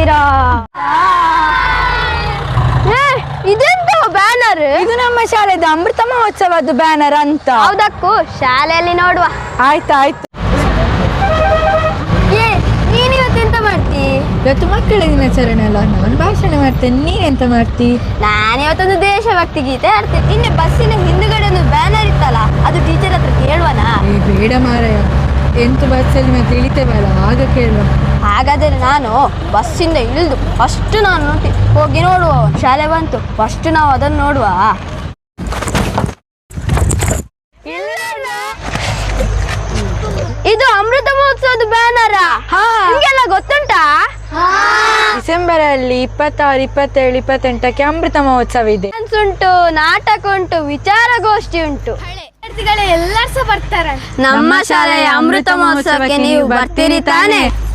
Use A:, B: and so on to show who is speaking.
A: ಬರ್ತೀರಾ? ಇದೆಂತ ಬ್ಯಾನರ್?
B: ಇದು ನಮ್ಮ ಶಾಲೆದ ಅಮೃತ ಮಹೋತ್ಸವದ ಬ್ಯಾನರ್ ಅಂತ.
A: ಹೌದಕ್ಕೂ ಶಾಲೆಯಲ್ಲಿ ನೋಡುವ.
B: ಆಯ್ತಾಯ್ತು.
A: ನೀನ್ ಇವತ್ತೆಂತ ಮಾಡ್ತಿ?
B: ಇವತ್ತು ಮಕ್ಕಳ ದಿನಾಚರಣೆ ಅಲ್ಲ, ನಾನು ಭಾಷಣ ಮಾಡ್ತೇನೆ. ನೀನೆಂತ ಮಾಡ್ತಿ?
A: ನಾನು ಇವತ್ತೊಂದು ದೇಶಭಕ್ತಿ ಗೀತೆ ಆಡ್ತೇನೆ. ನಿನ್ನೆ ಬಸ್ಸಿನ ಹಿಂದುಗಡೆ ಒಂದು ಬ್ಯಾನರ್ ಇತ್ತಲ್ಲ, ಅದು ಟೀಚರ್ ಹತ್ರ ಕೇಳುವನಾ?
B: ಬೇಡ ಮಾರಾಯ, ಎಂತ ಬಸ್ಸಲ್ಲಿ ಮತ್ತೆ ಇಳಿತೇವಲ್ಲ ಆಗ ಕೇಳುವ.
A: ಹಾಗಾದರೆ ನಾನು ಬಸ್ಸಿಂದ ಇಳಿದು ಫಸ್ಟ್ ನಾನು ಹೋಗಿ ನೋಡುವ. ಶಾಲೆ ಬಂತು, ಫಸ್ಟ್ ನಾವು ಅದನ್ನು ನೋಡುವ. ಇದು ಅಮೃತ ಮಹೋತ್ಸವದ ಬ್ಯಾನರ. ನಿಮ್ಗೆಲ್ಲ ಗೊತ್ತುಂಟಾ?
B: ಡಿಸೆಂಬರ್ ಅಲ್ಲಿ 26, 27, 28ಕ್ಕೆ ಅಮೃತ ಮಹೋತ್ಸವ ಇದೆ.
A: ಡಾನ್ಸ್ ಉಂಟು, ನಾಟಕ ಉಂಟು, ವಿಚಾರಗೋಷ್ಠಿ ಉಂಟು.
C: ಎಲ್ಲರೂ ಸಹ ಬರ್ತಾರೆ.
A: ನಮ್ಮ ಶಾಲೆಯ ಅಮೃತ ಮಹೋತ್ಸವಕ್ಕೆ ನೀವು ಬರ್ತೀರಿ ತಾನೆ?